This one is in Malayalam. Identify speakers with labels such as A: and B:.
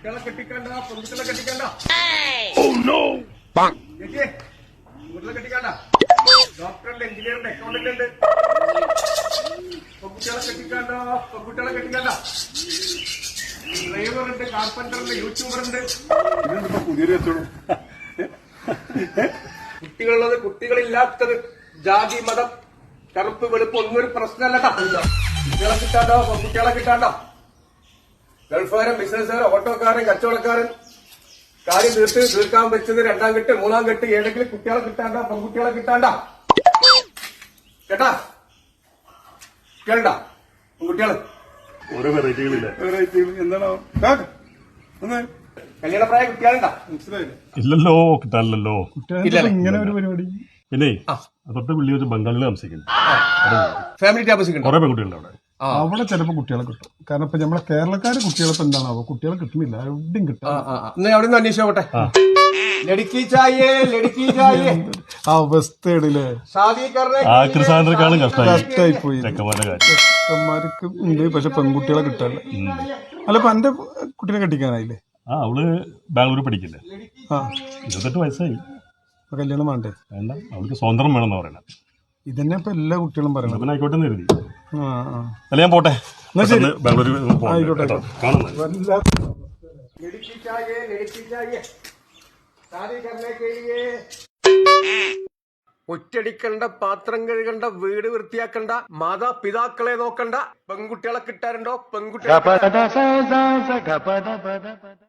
A: കുട്ടികളെ കെട്ടിക്കണ്ട, പെൺകുട്ടികളെ കെട്ടിക്കണ്ട. വീട്ടിലെ കെട്ടിക്കണ്ട. ഡോക്ടറുണ്ട്, എഞ്ചിനീയറുണ്ട്, അക്കൗണ്ടന്റ് ഉണ്ട്. പെൺകുട്ടികളെ കെട്ടിക്കണ്ട, പെൺകുട്ടികളെ കെട്ടിക്കണ്ട. ഡ്രൈവറുണ്ട്, കാർപ്പന്ററുണ്ട്, യൂട്യൂബറുണ്ട്. ഇതെന്താ പുതിയൊരു വെച്ചോളൂ. കുട്ടികളുള്ളത്, കുട്ടികളില്ലാത്തത്, ജാതി മതം കറുപ്പ് വെളുപ്പ് ഒന്നും ഒരു പ്രശ്നമല്ലട്ടാ. കുട്ടികളെ കിട്ടാണ്ടോ, പെൺകുട്ടികളെ കിട്ടാണ്ടോ. ഗൾഫുകാരൻ, ബിസിനസ്സുകാരൻ, ഓട്ടോക്കാരൻ, കച്ചവടക്കാരൻ കാര്യം തീർക്കാൻ വെച്ചത് രണ്ടാം കെട്ട്, മൂന്നാം കെട്ട്, ഏതെങ്കിലും കുട്ടികളെ കിട്ടാണ്ട, പെൺകുട്ടികളെ കിട്ടാണ്ട. കേട്ടാ കേൾണ്ട പെൺകുട്ടികള്
B: ഓരോ വെറൈറ്റികളില്ല.
C: എന്താണോ
A: കല്യാണപ്രായ കുട്ടികളുണ്ടാ?
C: മനസ്സിലായില്ല.
B: ഇല്ലല്ലോ, കിട്ടാനില്ലല്ലോ.
C: ഇങ്ങനെ ഒരു പരിപാടി.
B: പിന്നെ തൊട്ട് പുള്ളി വെച്ച് ബംഗാളിൽ താമസിക്കുന്നു.
A: ഫാമിലി താമസിക്കുന്നു.
B: കുറെ പെൺകുട്ടികളുണ്ട് അവിടെ.
C: അവിടെ ചിലപ്പോ കുട്ടികളെ കിട്ടും. കാരണം ഇപ്പൊ നമ്മളെ കേരളക്കാര് കുട്ടികളെ എന്താണാവോ കുട്ടികളെ കിട്ടുന്നില്ല, എവിടെയും കിട്ടും.
A: അവിടെ നിന്ന് അന്വേഷിച്ചോട്ടെ.
C: ആ അവസ്ഥയാണല്ലേ.
B: ആക്രിസാധനക്കാളും
C: കഷ്ടായി പോയി.
B: ചെക്കന്മാരുടെ കാര്യം
C: ചെക്കന്മാർക്ക് ഉണ്ട്, പക്ഷെ പെൺകുട്ടികളെ കിട്ടാനില്ല. അല്ല ഇപ്പൊ എന്റെ കുട്ടീനെ കെട്ടിക്കാനായില്ലേ?
B: അവള് ബാംഗ്ലൂർ പഠിക്കില്ലേ. 28 വയസ്സായി.
C: കല്യാണം വേണ്ടേ?
B: വേണ്ട, അവൾക്ക് സ്വതന്ത്രം വേണമെന്ന് പറയണം.
C: ഇതന്നെ ഇപ്പൊ എല്ലാ കുട്ടികളും പറയണം.
B: പിന്നെ ആയിക്കോട്ടെ എന്ന് കരുതി.
C: അല്ല
B: ഞാൻ പോട്ടെ, ബാംഗ്ലൂർ
C: ആയിക്കോട്ടെ.
A: ഒറ്റടിക്കണ്ട, പാത്രം കഴുകണ്ട, വീട് വൃത്തിയാക്കണ്ട, മാതാപിതാക്കളെ നോക്കണ്ട, പെൺകുട്ടികളെ കിട്ടാറുണ്ടോ? പെൺകുട്ടികളെ